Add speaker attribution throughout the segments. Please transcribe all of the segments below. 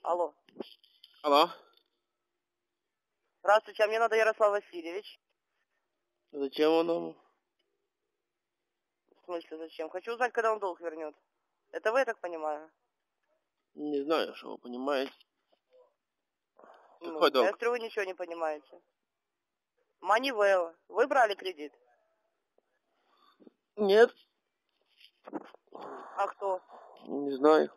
Speaker 1: Алло.
Speaker 2: Алло.
Speaker 1: Здравствуйте, а мне надо Ярослав Васильевич.
Speaker 2: Зачем он нам?
Speaker 1: В смысле, зачем? Хочу узнать, когда он долг вернет. Это вы, я так понимаю?
Speaker 2: Не знаю, что вы понимаете.
Speaker 1: Ну,
Speaker 2: Какой долг?
Speaker 1: я смотрю, вы ничего не понимаете. Манивелла. Вы брали кредит?
Speaker 2: Нет.
Speaker 1: А кто?
Speaker 2: Не знаю.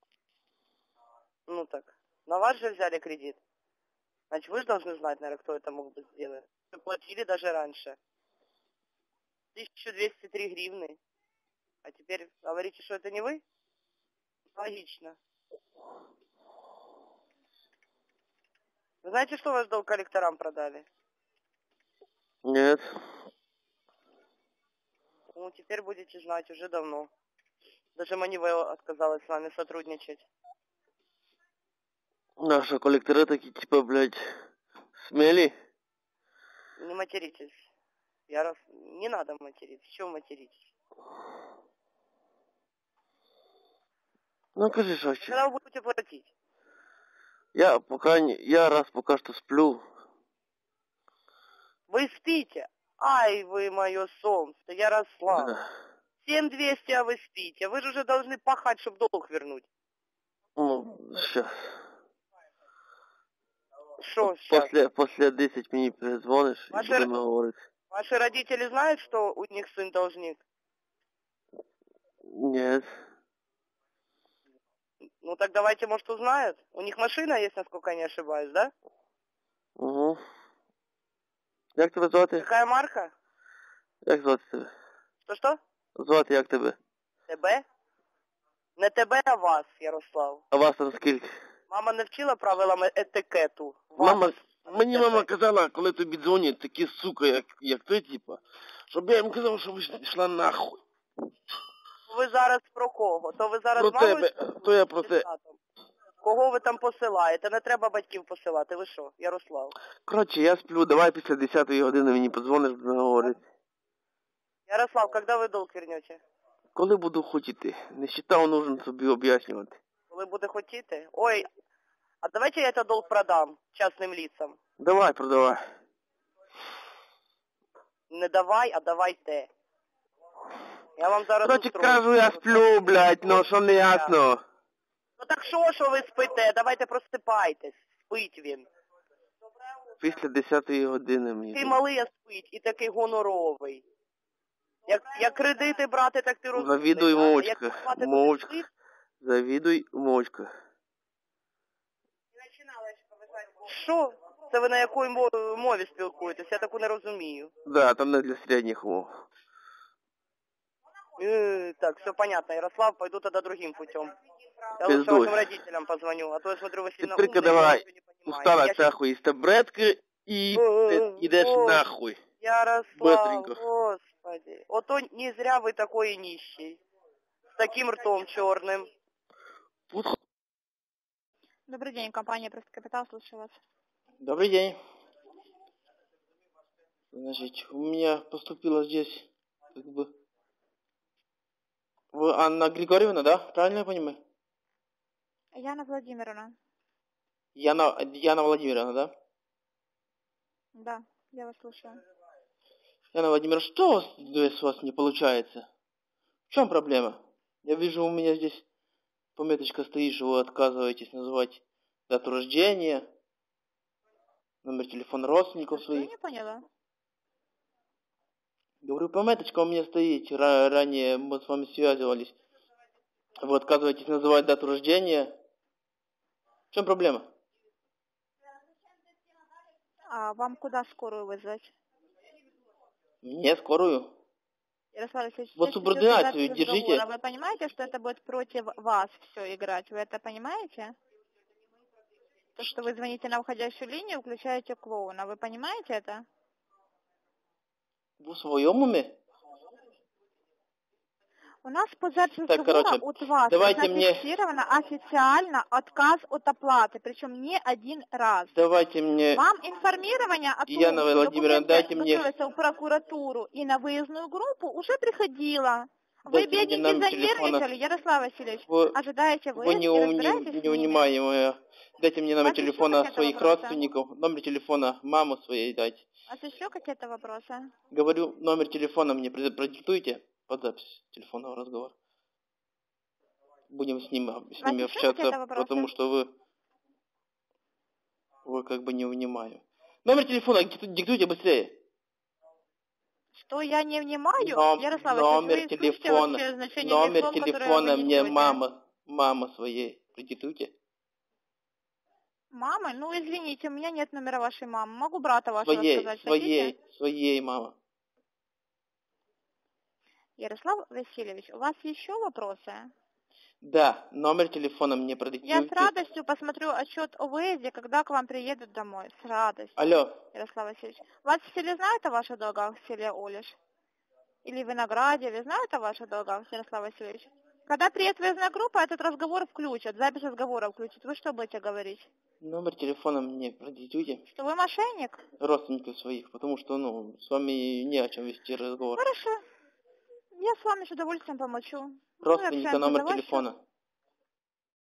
Speaker 1: Ну так, на вас же взяли кредит. Значит, вы же должны знать, наверное, кто это мог бы сделать. Вы платили даже раньше. 1203 гривны. А теперь говорите, что это не вы? Логично. Вы знаете, что ваш долг коллекторам продали?
Speaker 2: Нет.
Speaker 1: Ну, теперь будете знать уже давно. Даже Манивелла отказалась с вами сотрудничать.
Speaker 2: Наши коллекторы такие, типа, блядь, смели.
Speaker 1: Не материтесь. Не надо материться. Чего материтесь?
Speaker 2: Ну, скажи, что
Speaker 1: Когда вы будете платить?
Speaker 2: Я пока что сплю.
Speaker 1: Вы спите? Ай, вы мое солнце, Ярослав.
Speaker 2: Да.
Speaker 1: 7200, а вы спите. Вы же уже должны пахать, чтобы долг вернуть.
Speaker 2: Ну, сейчас.
Speaker 1: Что сейчас?
Speaker 2: После 10 мне перезвонишь и будем говорить.
Speaker 1: Ваши родители знают, что у них сын должник?
Speaker 2: Нет.
Speaker 1: Ну так давайте, может, узнают. У них машина есть, насколько я не ошибаюсь, да?
Speaker 2: Угу. Як тебе звати?
Speaker 1: Какая марка?
Speaker 2: Як звати тебе?
Speaker 1: Что?
Speaker 2: Звати як тебе?
Speaker 1: Тебе? Не тебе, а вас, Ярослав.
Speaker 2: А вас там скільки?
Speaker 1: Мама не вчила правилам етикету.
Speaker 2: Мені мама казала, коли тобі дзвонять такі сука, як ти, типа, щоб я їм казав, щоб йшла нахуй.
Speaker 1: Ви зараз про кого? То ви зараз
Speaker 2: Про
Speaker 1: мамою
Speaker 2: тебе, то я про те.
Speaker 1: Кого ви там посилаєте? Не треба батьків посилати. Ви що, Ярослав?
Speaker 2: Коротше, я сплю, давай після 10-ї години мені подзвониш, будемо говорити.
Speaker 1: Ярослав, коли ви долг вернете?
Speaker 2: Коли буду хотіти. Не считав, нужно собі об'яснювати.
Speaker 1: Коли буде хотіти? Ой, а давайте я этот долг продам частным лицам.
Speaker 2: Давай, продавай.
Speaker 1: Не давай, а давайте. Я вам зараз
Speaker 2: Коротше,
Speaker 1: устрою.
Speaker 2: кажу, я сплю, блядь, ну що не ясно.
Speaker 1: Ну так що ви спите? Давайте просипайтесь. Спить він.
Speaker 2: Після 10-ї години мені.
Speaker 1: Ти малий, а спить, і такий гоноровий. Як кредити брати, так ти розумієш.
Speaker 2: Завідуй, мовчка. Мовчка. Завідуй, мовчка.
Speaker 1: Що? Це ви на якій мові спілкуєтесь? Я таку не розумію.
Speaker 2: Да, там не для середніх мов.
Speaker 1: Так, все понятно, Ярослав, пойду тогда другим путем. Я
Speaker 2: Пиздуй.
Speaker 1: лучше вашим родителям позвоню, а то я смотрю, вы сильно
Speaker 2: Теперь-ка
Speaker 1: умные,
Speaker 2: давай,
Speaker 1: ничего не понимаете.
Speaker 2: устала
Speaker 1: Я
Speaker 2: цахуй из таблетки и идешь нахуй.
Speaker 1: Ярослав,
Speaker 2: Быстренько.
Speaker 1: господи. Ото не зря вы такой нищий. С таким ртом черным.
Speaker 3: Добрый день, компания «Просто Капитал», слушаю вас.
Speaker 2: Добрый день. Значит, у меня поступила здесь, как бы... Вы Анна Григорьевна, да? Правильно я понимаю?
Speaker 3: Яна Владимировна.
Speaker 2: Яна Владимировна, да?
Speaker 3: Да, я вас слушаю.
Speaker 2: Яна Владимировна, что у вас не получается? В чем проблема? Я вижу, у меня здесь пометочка стоит, что вы отказываетесь называть дату рождения, номер телефона родственников своих.
Speaker 3: Я не поняла.
Speaker 2: Говорю, пометочка у меня стоит, ранее мы с вами связывались. Вы отказываетесь называть дату рождения. В чем проблема?
Speaker 3: А вам куда скорую вызвать?
Speaker 2: Мне скорую.
Speaker 3: Ярослав Алексеевич,
Speaker 2: Вот субординацию держите.
Speaker 3: Вы понимаете, что это будет против вас все играть? Вы это понимаете? То, что вы звоните на уходящую линию, включаете клоуна. Вы понимаете это?
Speaker 2: Вы в своем уме?
Speaker 3: У нас по записи
Speaker 2: Так, короче,
Speaker 3: от вас
Speaker 2: давайте
Speaker 3: зафиксировано официально отказ от оплаты, причем не один раз.
Speaker 2: Давайте мне...
Speaker 3: Вам информирование о том,
Speaker 2: Яна
Speaker 3: что
Speaker 2: Владимировна, дайте мне...
Speaker 3: в прокуратуру и на выездную группу уже приходило. Вы,
Speaker 2: Дайте
Speaker 3: бедненькие,
Speaker 2: мне номер
Speaker 3: занервничали,
Speaker 2: телефона.
Speaker 3: Ярослав Васильевич.
Speaker 2: Вы
Speaker 3: Ожидаете
Speaker 2: не
Speaker 3: разбираетесь с ними?
Speaker 2: унимаемая Дайте мне
Speaker 3: У
Speaker 2: номер
Speaker 3: вас еще
Speaker 2: телефона
Speaker 3: какие-то
Speaker 2: своих
Speaker 3: вопросы?
Speaker 2: родственников, номер телефона мамы своей дайте.
Speaker 3: У вас еще какие-то вопросы?
Speaker 2: Говорю, номер телефона мне продиктуйте под запись телефонного разговора. Будем с ними
Speaker 3: еще какие-то
Speaker 2: общаться,
Speaker 3: вопросы?
Speaker 2: потому что вы как бы не внимаю. Номер телефона диктуйте быстрее.
Speaker 3: Что я не внимаю? Ярослав
Speaker 2: Номер
Speaker 3: Васильевич, вы слышите
Speaker 2: телефона,
Speaker 3: вообще значение
Speaker 2: номер
Speaker 3: слов, которые
Speaker 2: телефона
Speaker 3: вы
Speaker 2: мне
Speaker 3: несете?
Speaker 2: мама своей продиктуйте.
Speaker 3: Мамы? Ну, извините, у меня нет номера вашей мамы. Могу брата вашего сказать, хотите?
Speaker 2: Своей мама.
Speaker 3: Ярослав Васильевич, у вас еще вопросы?
Speaker 2: Да, номер телефона мне
Speaker 3: Я
Speaker 2: продиктуйте.
Speaker 3: с радостью посмотрю отчет о выезде, когда к вам приедут домой. С радостью.
Speaker 2: Алло.
Speaker 3: Ярослав Васильевич. Вас в селе знают о ваших долгах, в селе Олиш? Или в Винограде? Знают о ваших долгах, Ярослав Васильевич? Когда приедет выездная группа, этот разговор включат, запись разговора включат. Вы что будете говорить?
Speaker 2: Номер телефона мне продиктуйте.
Speaker 3: Что вы мошенник?
Speaker 2: Родственников своих, потому что, с вами не о чем вести разговор.
Speaker 3: Хорошо. Я с вами с удовольствием помолчу.
Speaker 2: Родственника, номер
Speaker 3: Давай,
Speaker 2: телефона.